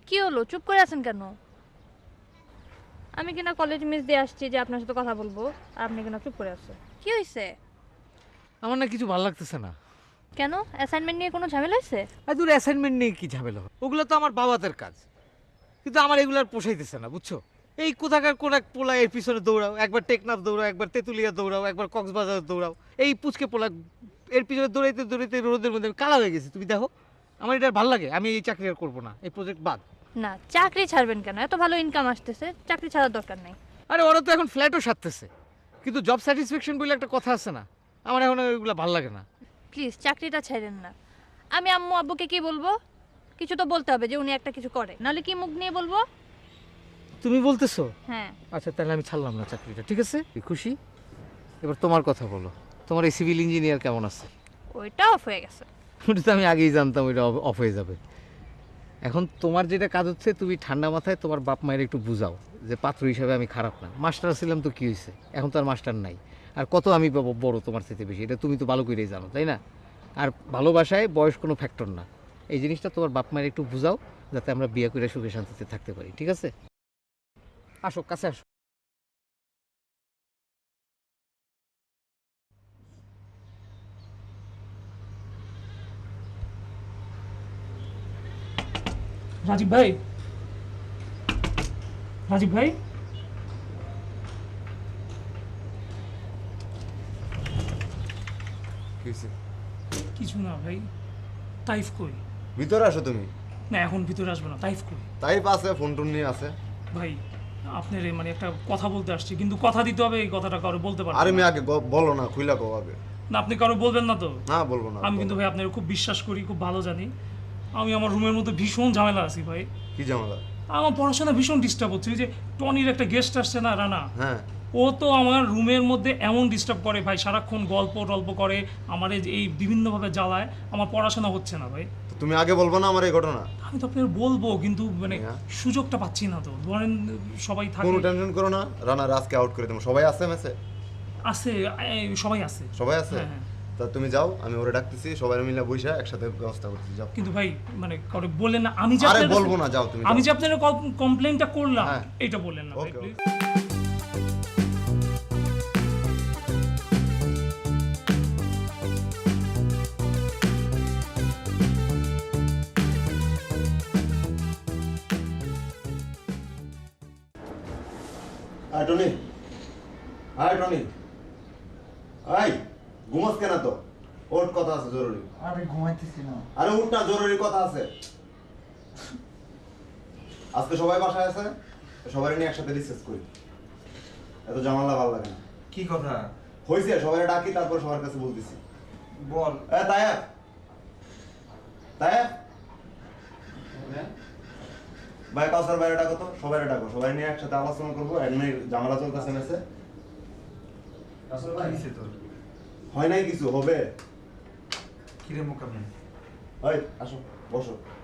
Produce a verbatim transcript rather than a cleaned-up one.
কি হলো, চুপ করে আছেন কেন? আমি কিনা কলেজ মিস দিয়ে আসছি যে আপনার সাথে কথা বলবো, আর আপনি কিনা চুপ করে আছেন। কি হয়েছে? আমার না কিছু ভালো লাগতেছে না। কেন, অ্যাসাইনমেন্ট নিয়ে কোনো ঝামেলা হয়েছে? আর দূর অ্যাসাইনমেন্ট নিয়ে কি ঝামেলা হবে? ওগুলো তো আমার বাবাদের কাজ, কিন্তু আমার এগুলো আর পোষাইতেছে না, বুঝছো? এই কোথাকার কোন এক পোলা এর পিছনে দৌড়াও, একবার টেকনাফ দৌড়াও, একবার তেঁতুলিয়া দৌড়াও, একবার কক্সবাজার দৌড়াও, এই পুচকে পোলা এর পিছনে দৌড়াইতে দৌড়াইতে রোদের মধ্যে আমি কালা হয়ে গেছি। তুমি দেখো, আমার এটা আর ভালো লাগে, আমি এই চাকরি আর করবো না, এই প্রজেক্ট বাদ। না, চাকরি ছাড়বেন কেন? এত ভালো ইনকাম আসতেছে, চাকরি ছাড়ার দরকার নেই। আরে ওরা তো এখন ফ্ল্যাটও সারতেছে, কিন্তু জব স্যাটিসফ্যাকশন বলে একটা কথা আছে না, আমার এখন ওইগুলো ভালো লাগে না। প্লিজ চাকরিটা ছাড়েন না। আমি আম্মু আব্বুকে কি বলবো? কিছু তো বলতে হবে যে উনি একটা কিছু করে, নাহলে কি মুখ নিয়ে বলবো? তুমি বলতেছো? হ্যাঁ। আচ্ছা, তাহলে আমি ছাড়লাম না চাকরিটা, ঠিক আছে? খুশি? এবার তোমার কথা বলো, তোমার এই সিভিল ইঞ্জিনিয়ার কেমন আছে? ওইটা অফ হয়ে গেছে। ওটা তো আমি আগেই জানতাম ওইটা অফ হয়ে যাবে। এখন তোমার যেটা কাজ হচ্ছে, তুমি ঠান্ডা মাথায় তোমার বাপ মায়ের একটু বুঝাও যে পাত্র হিসাবে আমি খারাপ না। মাস্টার ছিলাম তো কী হয়েছে, এখন তো আর মাস্টার নাই। আর কত আমি পাবো বড় তোমার থেকে বেশি, এটা তুমি তো ভালো করেই জানো, তাই না? আর ভালোবাসায় বয়স কোনো ফ্যাক্টর না। এই জিনিসটা তোমার বাপ মায়ের একটু বুঝাও, যাতে আমরা বিয়ে করে সুখে শান্তিতে থাকতে পারি, ঠিক আছে? আসো, কাছে আসো। রাজীব ভাই, রাজীব ভাই, কিসে? কিছু না ভাই। তাইফ কই? ভিতরে আসো তুমি। না, এখন ভিতরে আসবে না। তাইফ কই? তাই আছে, ফোন টোন নিয়ে আছে। ভাই, আপনার এই মানে একটা কথা বলতে আসছি, কিন্তু কথা দিতে হবে, এই কথাটা কারো বলতে পারবো আরে না। আমি আগে গ- বলো না, খুইলা কও আগে। না, আপনি কারো বলবেন না তো? না, বলবো না। আমি বলো। কিন্তু ভাই আপনার খুব বিশ্বাস করি, খুব ভালো জানি। আমি আমার রুমের মধ্যে ভীষণ ঝামেলা আছি ভাই। কি ঝামেলা? আমার পড়াশোনা ভীষণ ডিস্টার্ব হচ্ছে। এই যে টনির একটা গেস্ট আসছে না, রানা, হ্যাঁ। ও তো আমার রুমের মধ্যে এমন ডিস্টার্ব করে ভাই, সারাক্ষণ গল্প টল্প করে, আমার এই যে এই বিভিন্নভাবে জ্বালায়, আমার পড়াশোনা হচ্ছে না ভাই। তো তুমি আগে বলবো না আমার এই ঘটনা? আমি তো আপনার বলবো, কিন্তু মানে হ্যাঁ। সুযোগটা পাচ্ছি না তো। ধরেন সবাই থাকে, কোনো টেনশন করো না, রানা রাজকে আউট করে দেবো। সবাই আছে মেসে? আছে, এই, সবাই আছে। সবাই আছে? হ্যাঁ, হ্যাঁ। তা তুমি যাও, আমি ওরে ডাকতেছি, সবাই মিলে বইসা একসাথে ব্যবস্থা করতেছি, যাও। কিন্তু ভাই মানে কাউকে বললেন না, আমি যে আরে আপনার বলবো কাছে- না, যাও তুমি আমি যাও। যে আপনার কমপ্লেনটা করলাম, হ্যাঁ। এটা বললেন না ভাই, ওকে, প্লিজ। আয় টনি, আয় টনি, আয়। ঘুমাস কেন তো? ওর কথা আছে জরুরি। আরে ঘুমাইতেছি না। আরে উঠ না, জরুরি কথা আছে। আজকে সবাই বাসায় আছে, সবাই নিয়ে একসাথে ডিসকাস করি। এত জামালা ভালো লাগে না। কি কথা? হয়েছে, সবাই ডাকি, তারপর সবার কাছে বলতেছি। বল। এ তায়েব, তায়েব, ভাই কাউসার বাইরে ডাকো তো, সবাই ডাকো, সবাই নিয়ে একসাথে আলোচনা করবো। এমনি জামালা চলতেছে মেসে। কি হইছে তোর? হয় নাই কিছু, হবে। কিরে মোকাবিলা? ওই আসো, বসো।